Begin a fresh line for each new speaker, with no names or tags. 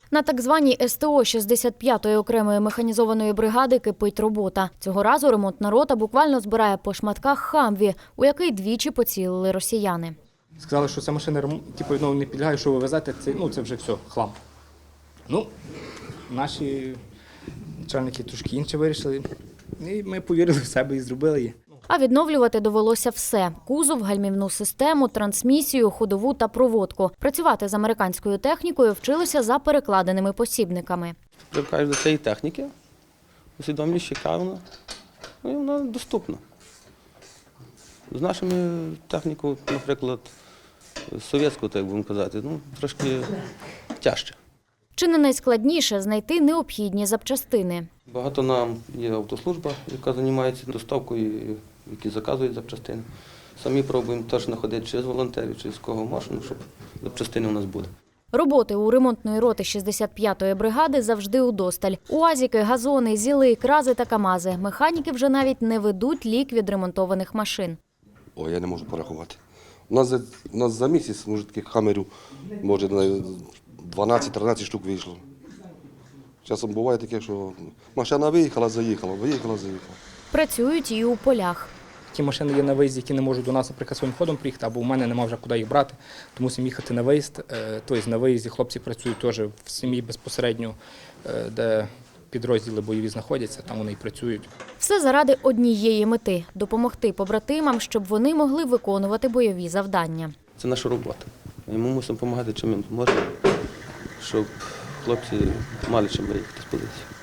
На так званій СТО 65-ї окремої механізованої бригади кипить робота. Цього разу ремонтна рота буквально збирає по шматках «Хамві», у який двічі поцілили росіяни.
Сказали, що ця машина не підлягає, що ви везете, це вже все, хлам. Наші начальники трошки інше вирішили, і ми повірили в себе і зробили її.
А відновлювати довелося все – кузов, гальмівну систему, трансмісію, ходову та проводку. Працювати з американською технікою вчилися за перекладеними посібниками.
Привикаєш до цієї техніки, усвідомлюєш, яка вона, і вона доступна. З нашими технікою, наприклад, совєтською, так будемо казати, трошки тяжче.
Чи не найскладніше знайти необхідні запчастини?
Багато нам є автослужба, яка займається доставкою, які заказують запчастини. Самі пробуємо теж знаходити через волонтерів, через кого можна, щоб запчастини у нас були.
Роботи у ремонтної роти 65-ї бригади завжди удосталь. УАЗіки, газони, зіли, крази та камази. Механіки вже навіть не ведуть лік відремонтованих машин.
Я не можу порахувати. У нас за місяць, може, таких хамерів, може, 12-13 штук вийшло. Часом буває таке, що машина виїхала, заїхала, виїхала, заїхала.
Працюють і у полях.
Ті машини є на виїзді, які не можуть до нас, наприклад, своїм ходом приїхати, або у мене немає вже куди їх брати, то мусимо їхати на виїзд. Тобто на виїзді хлопці працюють теж в сім'ї безпосередньо, де підрозділи бойові знаходяться, там вони і працюють.
Все заради однієї мети – допомогти побратимам, щоб вони могли виконувати бойові завдання.
Це наша робота. І ми мусимо допомагати, чим ми можемо, щоб хлопці мали чим виїхати з позиції.